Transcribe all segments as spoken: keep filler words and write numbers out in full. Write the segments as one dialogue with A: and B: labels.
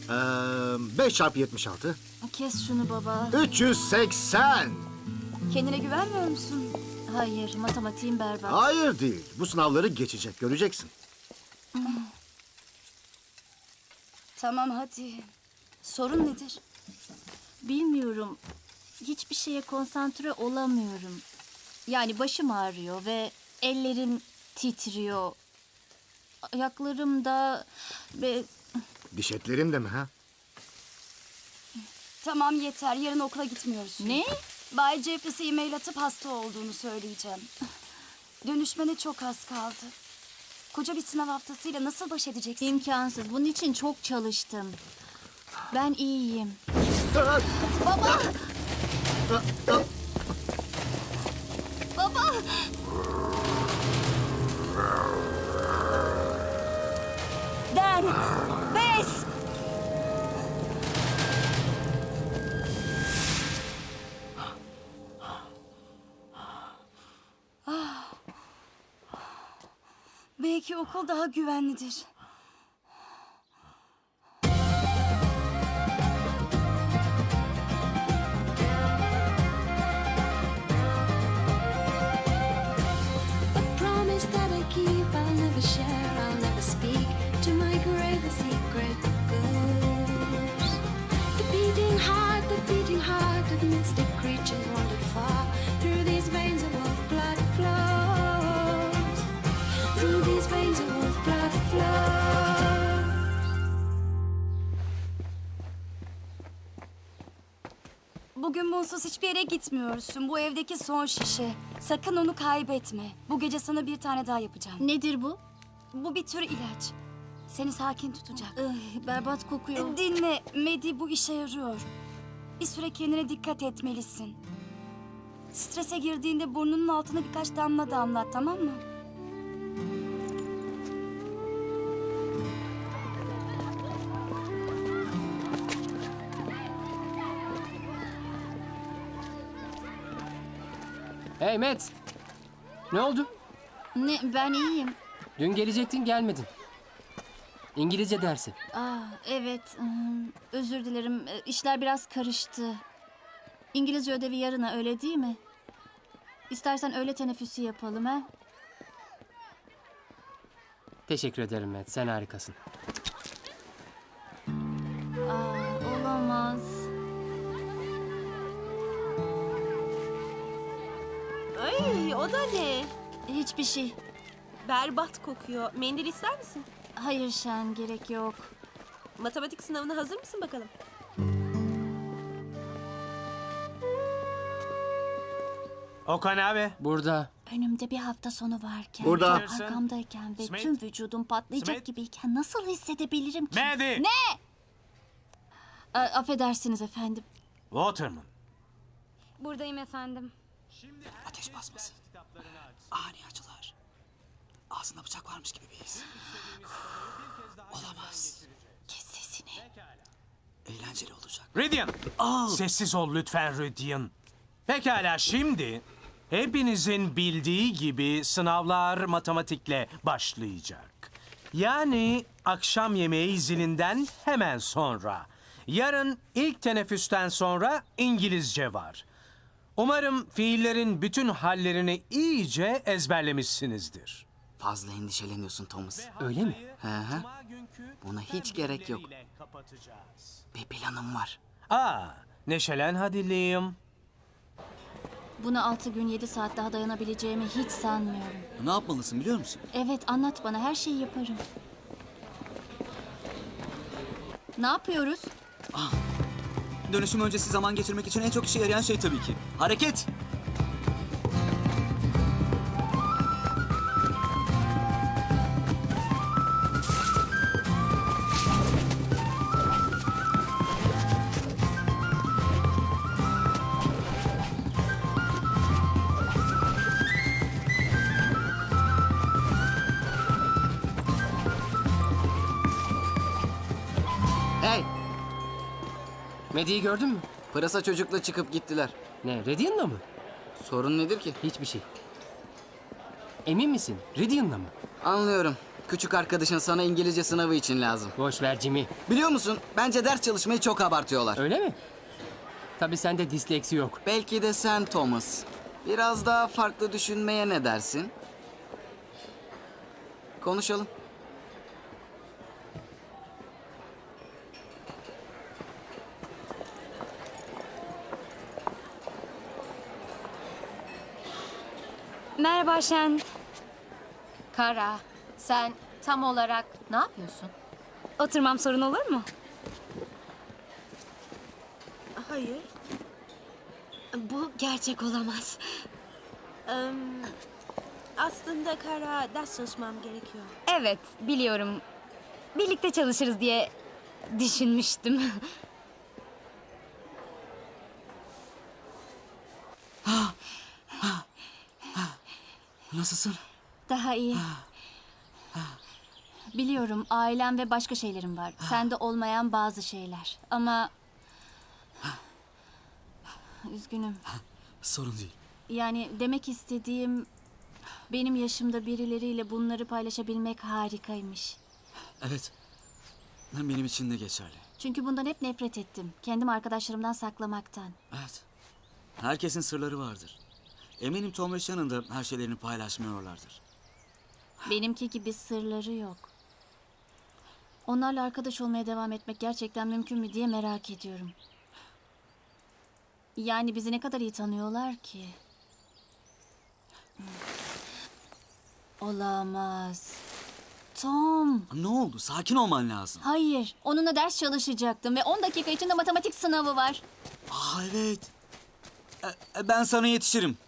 A: Ee, beş çarpı yetmiş altı.
B: Kes şunu baba.
A: üç yüz seksen.
B: Kendine güvenmiyor musun? Hayır, matematiğim berbat.
A: Hayır değil. Bu sınavları geçecek. Göreceksin.
B: Tamam hadi. Sorun nedir? Bilmiyorum. Hiçbir şeye konsantre olamıyorum. Yani başım ağrıyor ve ellerim titriyor. Ayaklarım da ve...
A: Diş etlerin de mi ha?
C: Tamam yeter. Yarın okula gitmiyorsun.
B: Ne?
C: Bay Jeffries'e e-mail atıp hasta olduğunu söyleyeceğim. Dönüşmene çok az kaldı. Koca bir sınav haftasıyla nasıl baş edeceksin?
B: İmkansız. Bunun için çok çalıştım. Ben iyiyim.
A: Aa!
B: Baba! Baba! Dan! Bes!
C: Belki okul daha güvenlidir.
D: Promise that I keep, I'll never share, I'll never speak. To my grave a secret goes. The beating heart, the beating heart of mystic creatures wandered far. Through these veins a wolf blood flows. Through these veins a wolf blood flows.
C: Bugün bunsuz hiçbir yere gitmiyorsun. Bu evdeki son şişe. Sakın onu kaybetme. Bu gece sana bir tane daha yapacağım.
B: Nedir bu?
C: Bu bir tür ilaç. Seni sakin tutacak.
B: Ay, berbat kokuyor.
C: Dinle, Medi bu işe yarıyor. Bir süre kendine dikkat etmelisin. Strese girdiğinde burnunun altına birkaç damla damlat, tamam mı?
E: Hey Matt. Ne oldu?
B: Ne, ben iyiyim.
E: Dün gelecektin gelmedin. İngilizce dersi.
B: Aa, evet. ım, Özür dilerim. E, İşler biraz karıştı. İngilizce ödevi yarına, öyle değil mi? İstersen öğle teneffüsü yapalım ha?
E: Teşekkür ederim Matt. Sen harikasın.
B: Aa, olamaz.
F: Ay, o da ne?
B: Hiçbir şey.
F: Berbat kokuyor. Mendil ister misin?
B: Hayır Şen, gerek yok.
F: Matematik sınavına hazır mısın bakalım?
G: Okan abi.
E: Burada.
B: Önümde bir hafta sonu varken,
A: Burada.
B: arkamdayken ve
G: Smith.
B: tüm vücudum patlayacak
G: Smith.
B: gibiyken nasıl hissedebilirim ki?
G: Maddie.
B: Ne? Aa, affedersiniz efendim.
G: Waterman.
C: Buradayım efendim.
H: Ateş basması. Ani acılar. Ağzında bıçak varmış gibi bir his. Olamaz.
B: Kes sesini.
H: Eğlenceli olacak.
G: Radian. Sessiz ol lütfen Radian. Pekala şimdi hepinizin bildiği gibi sınavlar matematikle başlayacak. Yani akşam yemeği zilinden hemen sonra. Yarın ilk teneffüsten sonra İngilizce var. Umarım fiillerin bütün hallerini iyice ezberlemişsinizdir.
H: Fazla endişeleniyorsun Thomas.
E: Öyle mi?
H: Hı hı. Buna hiç gerek yok. Bir planım var.
G: Aa, neşelen hadi Liam.
B: Buna altı gün yedi saat daha dayanabileceğimi hiç sanmıyorum.
H: Ne yapmalısın biliyor musun?
B: Evet, anlat bana, her şeyi yaparım. Ne yapıyoruz?
H: Dönüşüm öncesi zaman geçirmek için en çok işe yarayan şey tabii ki. Hareket! Hey!
E: Maddie'yi gördün mü?
H: Pırasa çocukla çıkıp gittiler.
E: Ne, Radian'la mı?
H: Sorun nedir ki?
E: Hiçbir şey. Emin misin? Radian'la mı?
H: Anlıyorum.
I: Küçük arkadaşın sana İngilizce sınavı için lazım.
E: Boş ver Jimmy.
I: Biliyor musun? Bence ders çalışmayı çok abartıyorlar.
E: Öyle mi? Tabii sende disleksi yok.
I: Belki de sen Thomas. Biraz daha farklı düşünmeye ne dersin? Konuşalım.
C: Merhaba Şen.
J: Kara, sen tam olarak ne yapıyorsun?
C: Oturmam sorun olur mu?
F: Hayır.
J: Bu gerçek olamaz.
F: Em, aslında Kara, ders çalışmam gerekiyor.
C: Evet, biliyorum. Birlikte çalışırız diye düşünmüştüm.
I: Nasılsın?
B: Daha iyi. Biliyorum ailem ve başka şeylerim var. Sende olmayan bazı şeyler. Ama... Üzgünüm.
I: Sorun değil.
B: Yani demek istediğim... Benim yaşımda birileriyle bunları paylaşabilmek harikaymış.
I: Evet. Benim için de geçerli.
B: Çünkü bundan hep nefret ettim. Kendim arkadaşlarımdan saklamaktan.
K: Evet. Herkesin sırları vardır. Eminim Tom ve Shannon da her şeylerini paylaşmıyorlardır.
B: Benimki gibi sırları yok. Onlarla arkadaş olmaya devam etmek gerçekten mümkün mü diye merak ediyorum. Yani bizi ne kadar iyi tanıyorlar ki? Olamaz. Tom.
K: Ne oldu? Sakin olman lazım.
B: Hayır. Onunla ders çalışacaktım ve on dakika içinde matematik sınavı var.
K: Aa evet. E, e, ben sana yetişirim.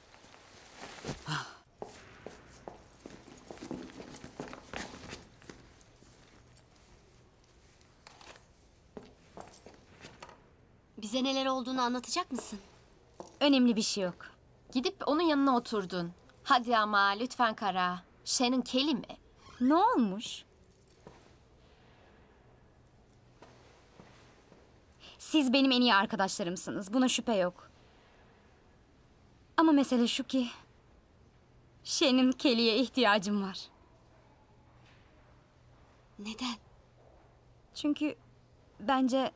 J: Bize neler olduğunu anlatacak mısın?
C: Önemli bir şey yok.
J: Gidip onun yanına oturdun. Hadi ama lütfen Kara. Shannon Kelly mi?
C: Ne olmuş? Siz benim en iyi arkadaşlarımsınız. Buna şüphe yok. Ama mesele şu ki... Shannon Kelly'ye ihtiyacım var.
J: Neden?
C: Çünkü bence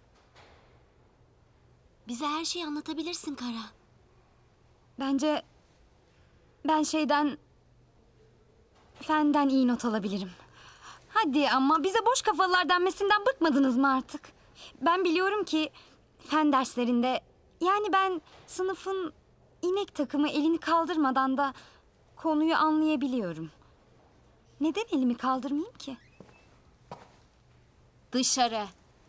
J: Bize her şeyi anlatabilirsin Kara.
C: Bence ben şeyden fenden iyi not alabilirim. Hadi ama bize boş kafalılar denmesinden bıkmadınız mı artık? Ben biliyorum ki fen derslerinde yani ben sınıfın inek takımı elini kaldırmadan da konuyu anlayabiliyorum. Neden elimi kaldırmayayım ki?
J: Dışarı.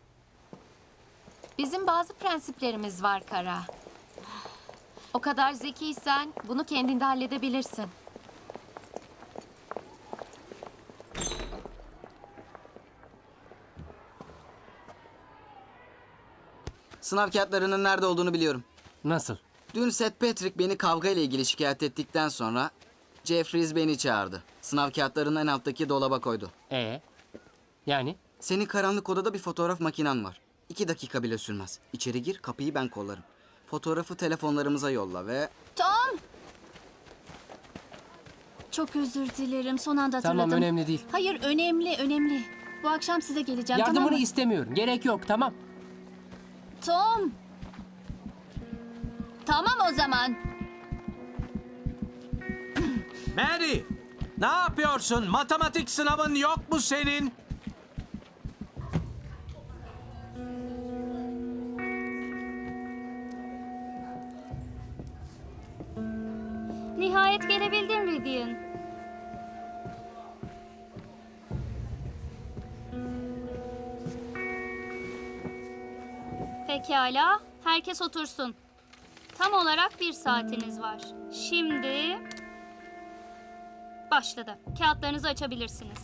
J: Bizim bazı prensiplerimiz var Kara. O kadar zekiysen bunu kendinde halledebilirsin.
I: Sınav kağıtlarının nerede olduğunu biliyorum.
E: Nasıl?
I: Dün Seth Patrick beni kavga ile ilgili şikayet ettikten sonra Jeffries beni çağırdı. Sınav kağıtlarını en alttaki dolaba koydu.
E: Ee? Yani?
I: Senin karanlık odada bir fotoğraf makinen var. İki dakika bile sürmez. İçeri gir, kapıyı ben kollarım. Fotoğrafı telefonlarımıza yolla ve...
B: Tom! Çok özür dilerim. Son anda hatırladım.
E: Tamam, önemli değil.
B: Hayır, önemli, önemli. Bu akşam size geleceğim,
E: Yardımını
B: tamam mı?
E: istemiyorum. Gerek yok, tamam.
B: Tom! Tamam o zaman.
G: Mary! Ne yapıyorsun? Matematik sınavın yok mu senin?
C: Nihayet gelebildin Ridian.
L: Pekala, herkes otursun. Tam olarak bir saatiniz var. Şimdi... Başladı. Kağıtlarınızı açabilirsiniz.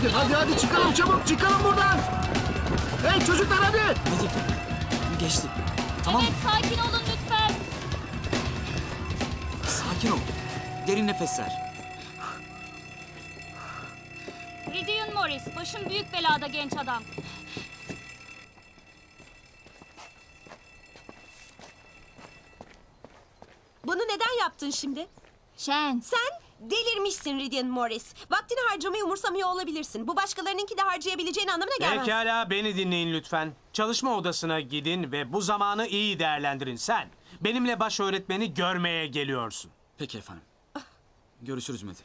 A: Hadi hadi hadi çıkalım çabuk çıkalım buradan. Hey çocuklar hadi.
K: Hadi. Geçti. Tamam mı?
L: Evet, sakin olun lütfen.
K: Sakin ol. Derin nefesler.
L: Ridian Morris, başın büyük belada genç adam.
F: Bunu neden yaptın şimdi?
B: Shen.
F: Sen delirmişsin Ridian Morris. Vaktini harcamayı umursamıyor olabilirsin. Bu başkalarınınki de harcayabileceğin anlamına gelmez.
G: Pekala beni dinleyin lütfen. Çalışma odasına gidin ve bu zamanı iyi değerlendirin. Sen benimle baş öğretmeni görmeye geliyorsun.
K: Peki efendim. Görüşürüz Mete.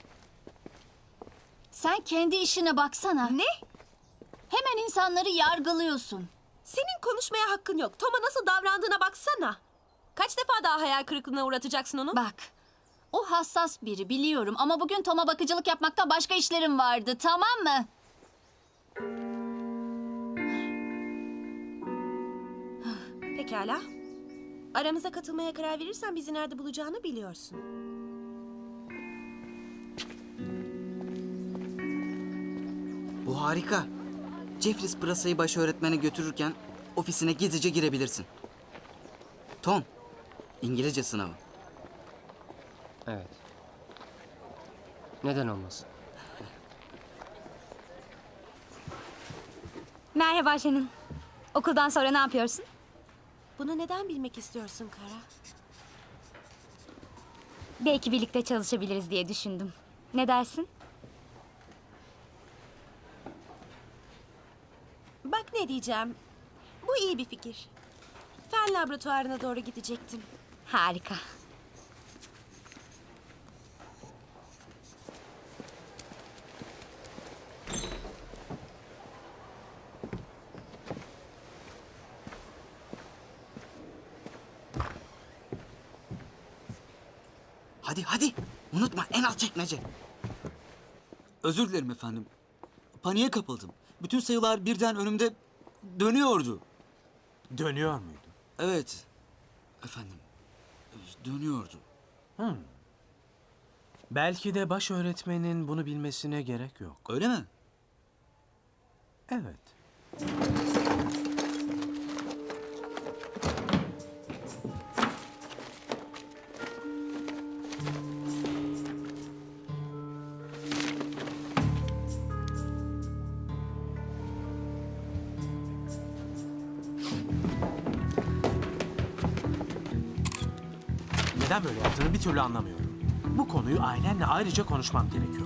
B: Sen kendi işine baksana.
F: Ne?
B: Hemen insanları yargılıyorsun.
F: Senin konuşmaya hakkın yok. Tom'a nasıl davrandığına baksana. Kaç defa daha hayal kırıklığına uğratacaksın onu?
B: Bak. O hassas biri biliyorum ama bugün Tom'a bakıcılık yapmakta başka işlerim vardı, tamam mı?
F: Pekala. Aramıza katılmaya karar verirsen bizi nerede bulacağını biliyorsun.
I: Bu harika. Jeffries pırasayı baş öğretmene götürürken ofisine gizlice girebilirsin. Tom, İngilizce sınavı.
E: Evet. Neden olmasın?
C: Merhaba Shannon. Okuldan sonra ne yapıyorsun?
F: Bunu neden bilmek istiyorsun Kara?
C: Belki birlikte çalışabiliriz diye düşündüm. Ne dersin?
F: Bak ne diyeceğim. Bu iyi bir fikir. Fen laboratuvarına doğru gidecektim.
C: Harika.
I: Hadi hadi. Unutma en alt çekmece.
K: Özür dilerim efendim. Paniğe kapıldım. Bütün sayılar birden önümde dönüyordu.
G: Dönüyor muydu?
K: Evet. Efendim. Dönüyordu.
G: Hmm. Belki de baş öğretmenin bunu bilmesine gerek yok.
K: Öyle mi?
G: Evet. Neden böyle yaptığını bir türlü anlamıyorum. Bu konuyu ailenle ayrıca konuşmam gerekiyor.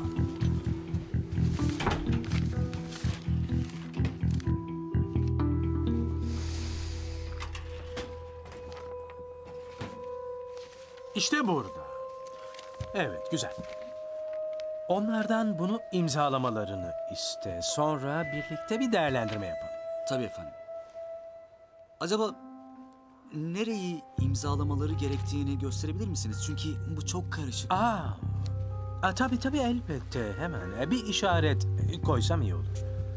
G: İşte burada. Evet, güzel. Onlardan bunu imzalamalarını iste. Sonra birlikte bir değerlendirme yapalım.
K: Tabii efendim. Acaba nereyi imzalamaları gerektiğini gösterebilir misiniz? Çünkü bu çok karışık.
G: Aa, a, tabii tabii elbette. Hemen e, bir işaret koysam iyi olur.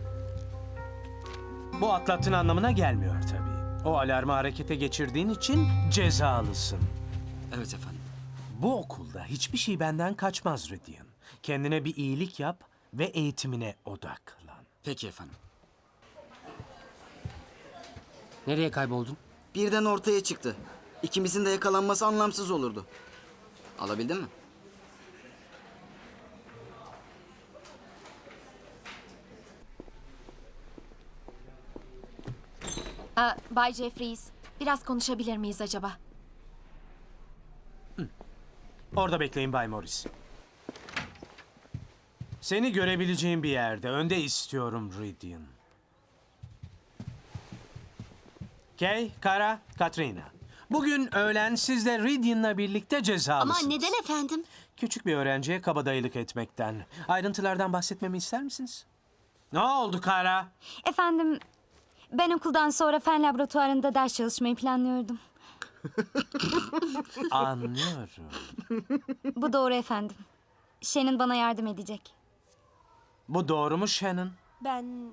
G: Bu atlattığın anlamına gelmiyor tabii. O alarmı harekete geçirdiğin için cezalısın.
K: Evet efendim.
G: Bu okulda hiçbir şey benden kaçmaz Ridian. Kendine bir iyilik yap ve eğitimine odaklan.
K: Peki efendim.
E: Nereye kayboldun?
I: Birden ortaya çıktı. İkimizin de yakalanması anlamsız olurdu. Alabildin mi?
J: Aa, Bay Jeffries, biraz konuşabilir miyiz acaba?
G: Orada bekleyin Bay Morris. Seni görebileceğim bir yerde. Önde istiyorum Ridian. Kay, Kara, Katrina. Bugün öğlen siz de Ridian'la birlikte cezalısınız.
B: Ama neden efendim?
G: Küçük bir öğrenciye kabadayılık etmekten. Ayrıntılardan bahsetmemi ister misiniz? Ne oldu Kara?
C: Efendim, ben okuldan sonra fen laboratuvarında ders çalışmayı planlıyordum.
G: Anlıyorum.
C: Bu doğru efendim. Shannon bana yardım edecek.
G: Bu doğru mu Shannon?
F: Ben...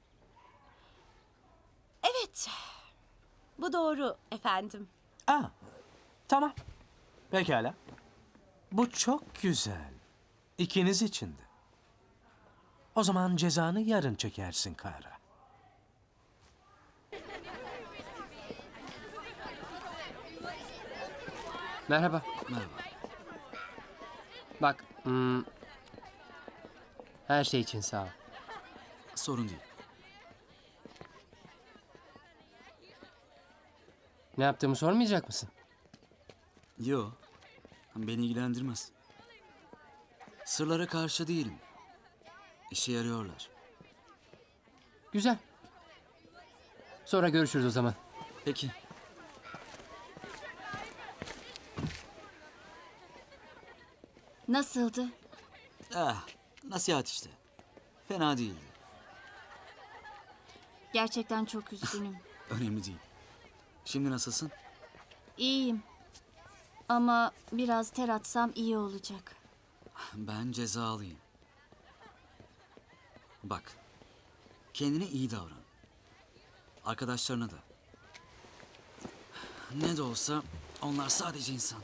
F: Evet. Bu doğru efendim.
G: Aa, tamam. Pekala. Bu çok güzel. İkiniz için de. O zaman cezanı yarın çekersin Kara.
E: Merhaba.
K: Merhaba.
E: Bak, hmm, her şey için sağ ol.
K: Sorun değil.
E: Ne yaptığımı sormayacak mısın?
K: Yo. Beni ilgilendirmez. Sırlara karşı değilim. İşe yarıyorlar.
E: Güzel. Sonra görüşürüz o zaman.
K: Peki.
B: Nasıldı?
K: Ah, nasihat işte. Fena değildi.
B: Gerçekten çok üzgünüm.
K: Önemli değil. Şimdi nasılsın?
B: İyiyim. Ama biraz ter atsam iyi olacak.
K: Ben cezalıyım. Bak. Kendine iyi davran. Arkadaşlarına da. Ne de olsa onlar sadece insan.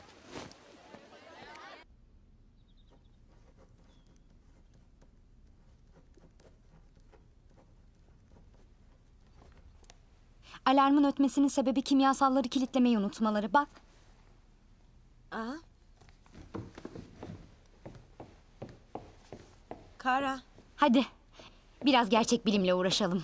C: Alarmın ötmesinin sebebi kimyasalları kilitlemeyi unutmaları. Bak.
F: Aa. Kara.
C: Hadi. Biraz gerçek bilimle uğraşalım.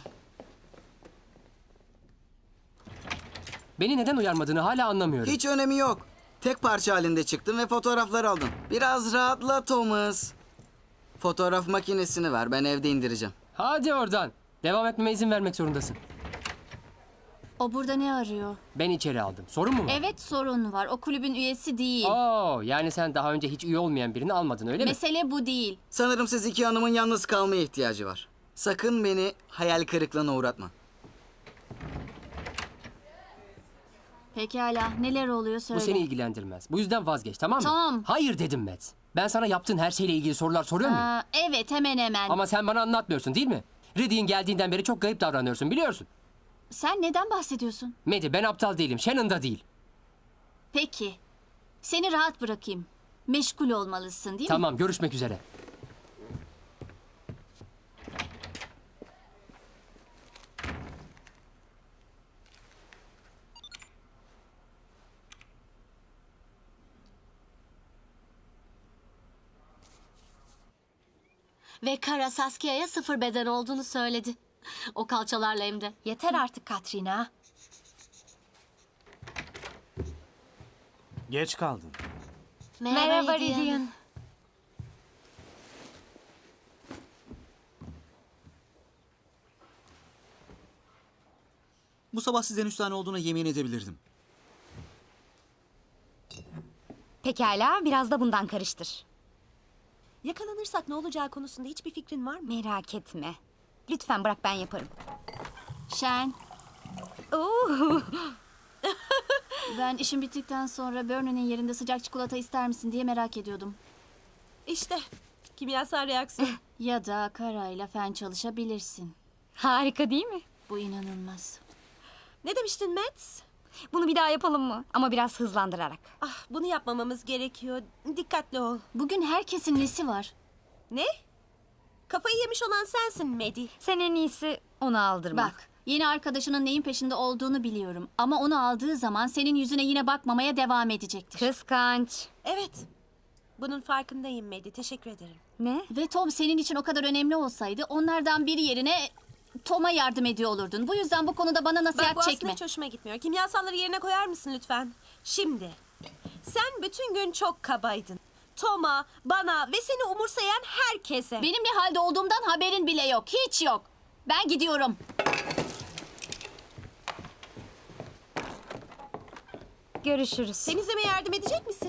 E: Beni neden uyarmadığını hala anlamıyorum.
I: Hiç önemi yok. Tek parça halinde çıktın ve fotoğraflar aldın. Biraz rahatla Thomas. Fotoğraf makinesini ver, ben evde indireceğim.
E: Hadi oradan. Devam etmeme izin vermek zorundasın.
B: O burada ne arıyor?
E: Ben içeri aldım. Sorun mu var?
B: Evet, sorun var. O kulübün üyesi değil.
E: Oo, yani sen daha önce hiç üye olmayan birini almadın öyle mi?
B: Mesele bu değil.
I: Sanırım siz iki hanımın yalnız kalmaya ihtiyacı var. Sakın beni hayal kırıklığına uğratma.
B: Pekala, neler oluyor söyle.
E: Bu seni ilgilendirmez. Bu yüzden vazgeç, tamam mı?
B: Tamam.
E: Hayır dedim Matt. Ben sana yaptığın her şeyle ilgili sorular soruyor muyum?
B: Aa, evet, hemen hemen.
E: Ama sen bana anlatmıyorsun değil mi? Riddick'in geldiğinden beri çok garip davranıyorsun biliyorsun.
B: Sen neden bahsediyorsun?
E: Maddie, ben aptal değilim. Shannon da değil.
B: Peki. Seni rahat bırakayım. Meşgul olmalısın değil mi?
E: Tamam, görüşmek üzere.
J: Ve Kara Saskia'ya sıfır beden olduğunu söyledi. O kalçalarla hem de. Yeter artık Katrina.
G: Geç kaldın.
C: Merhaba Ridian.
K: Bu sabah sizden üç tane olduğuna yemin edebilirdim.
C: Pekala, biraz da bundan karıştır.
F: Yakalanırsak ne olacağı konusunda hiçbir fikrin var mı?
C: Merak etme. Lütfen bırak, ben yaparım.
B: Şen,
C: Oo.
B: ben işim bittikten sonra Burney'nin yerinde sıcak çikolata ister misin diye merak ediyordum.
F: İşte kimyasal reaksiyon.
B: Ya da Kara'yla fen çalışabilirsin.
C: Harika değil mi?
B: Bu inanılmaz.
F: Ne demiştin Matt?
C: Bunu bir daha yapalım mı? Ama biraz hızlandırarak.
F: Ah, bunu yapmamamız gerekiyor. Dikkatli ol.
B: Bugün herkesin nesi var?
F: Ne? Kafayı yemiş olan sensin Maddie.
C: Sen en iyisi onu aldırma.
B: Bak, yeni arkadaşının neyin peşinde olduğunu biliyorum. Ama onu aldığı zaman senin yüzüne yine bakmamaya devam edecektir.
C: Kıskanç.
F: Evet. Bunun farkındayım Maddie. Teşekkür ederim.
C: Ne?
B: Ve Tom senin için o kadar önemli olsaydı onlardan biri yerine Tom'a yardım ediyor olurdun. Bu yüzden bu konuda bana
F: Bak,
B: nasihat
F: bu aslında
B: çekme.
F: hiç hoşuma gitmiyor. Kimyasalları yerine koyar mısın lütfen? Şimdi. Sen bütün gün çok kabaydın. Tom'a, bana ve seni umursayan herkese.
B: Benim ne halde olduğumdan haberin bile yok. Hiç yok. Ben gidiyorum.
C: Görüşürüz.
F: Temizlemeye yardım edecek misin?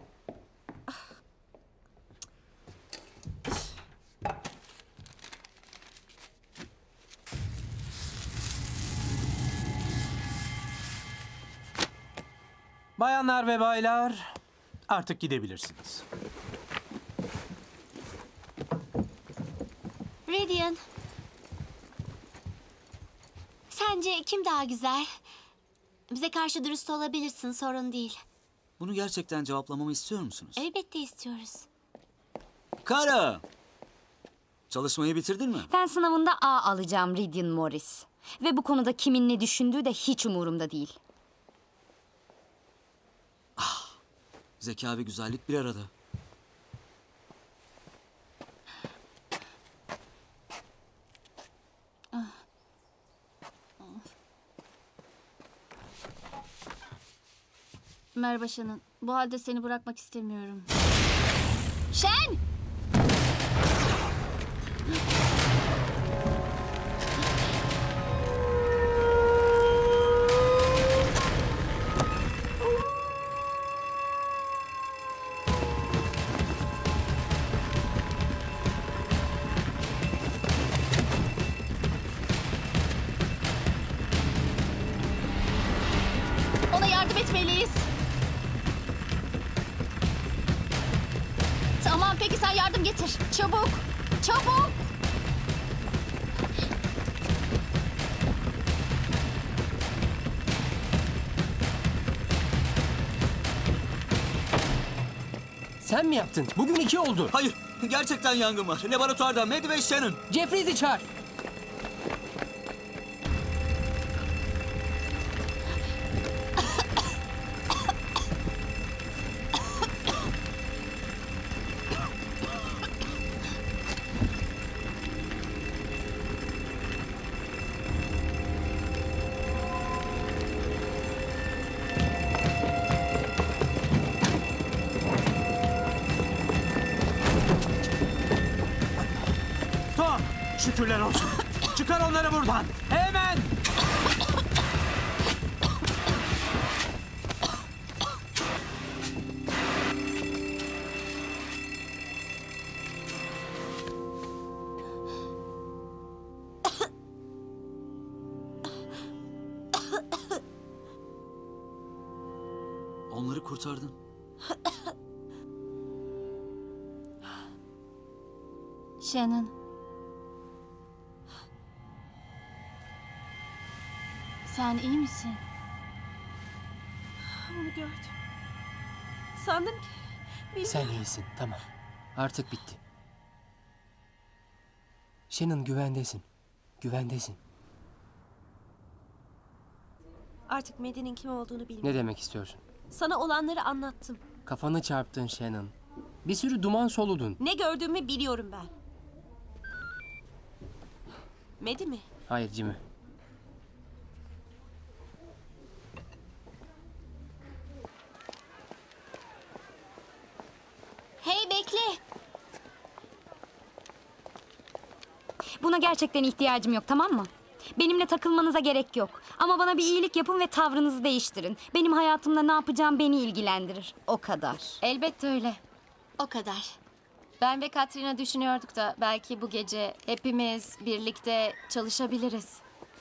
G: Bayanlar ve baylar, artık gidebilirsiniz.
J: Ridian. Sence kim daha güzel? Bize karşı dürüst olabilirsin, sorun değil.
K: Bunu gerçekten cevaplamamı istiyor musunuz?
J: Elbette istiyoruz.
K: Kara! Çalışmayı bitirdin mi?
C: Fen sınavında A alacağım Ridian Morris. Ve bu konuda kimin ne düşündüğü de hiç umurumda değil.
K: Zeka ve güzellik bir arada.
B: Merhaba Shannon. Bu halde seni bırakmak istemiyorum. Shen! Ona yardım etmeliyiz. Tamam, peki sen yardım getir. Çabuk, çabuk.
E: Sen mi yaptın? Bugün iki oldu.
K: Hayır, gerçekten yangın var. Laboratuvarda Maddie ve Shannon.
E: Jeffries'i çağır.
G: Tom, şükürler olsun. Çıkar onları buradan. Hemen.
K: Onları kurtardın.
B: Shannon. Sen iyi misin?
F: Onu gördüm. Sandım ki... bilmiyorum.
E: Sen iyisin, tamam. Artık bitti. Shannon güvendesin. Güvendesin.
F: Artık Maddie'nin kim olduğunu bilmiyorum.
E: Ne demek istiyorsun?
F: Sana olanları anlattım.
E: Kafanı çarptın Shannon. Bir sürü duman soludun.
F: Ne gördüğümü biliyorum ben. Maddie mi?
E: Hayır Jimmy.
L: Hey bekle.
C: Buna gerçekten ihtiyacım yok, tamam mı? Benimle takılmanıza gerek yok. Ama bana bir iyilik yapın ve tavrınızı değiştirin. Benim hayatımda ne yapacağım beni ilgilendirir. O kadar.
J: Elbette öyle.
L: O kadar.
J: Ben ve Katrina düşünüyorduk da belki bu gece hepimiz birlikte çalışabiliriz.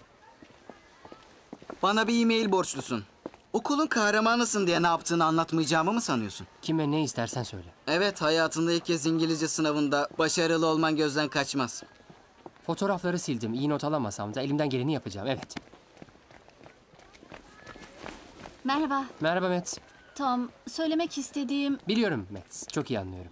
I: Bana bir e-mail borçlusun. Okulun kahramanısın diye ne yaptığını anlatmayacağımı mı sanıyorsun?
E: Kime ne istersen söyle.
I: Evet, hayatında ilk kez İngilizce sınavında başarılı olman gözden kaçmaz.
E: Fotoğrafları sildim. İyi not alamasam da elimden geleni yapacağım. Evet.
B: Merhaba,
E: Merhaba Matt.
B: Tom. Söylemek istediğim...
E: Biliyorum Matt. Çok iyi anlıyorum.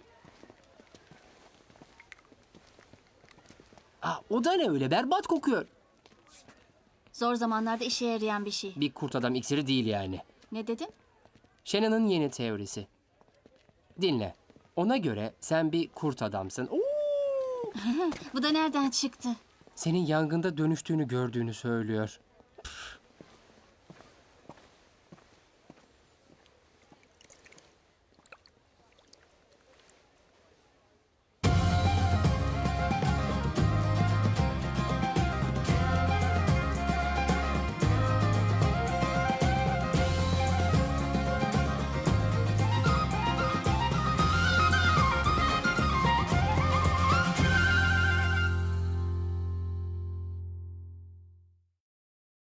E: Aa, o da ne öyle? Berbat kokuyor.
B: Zor zamanlarda işe yarayan bir şey.
E: Bir kurt adam iksiri değil yani.
B: Ne dedin?
E: Shannon'ın yeni teorisi. Dinle. Ona göre sen bir kurt adamsın. Oo!
B: Bu da nereden çıktı?
E: Senin yangında dönüştüğünü gördüğünü söylüyor.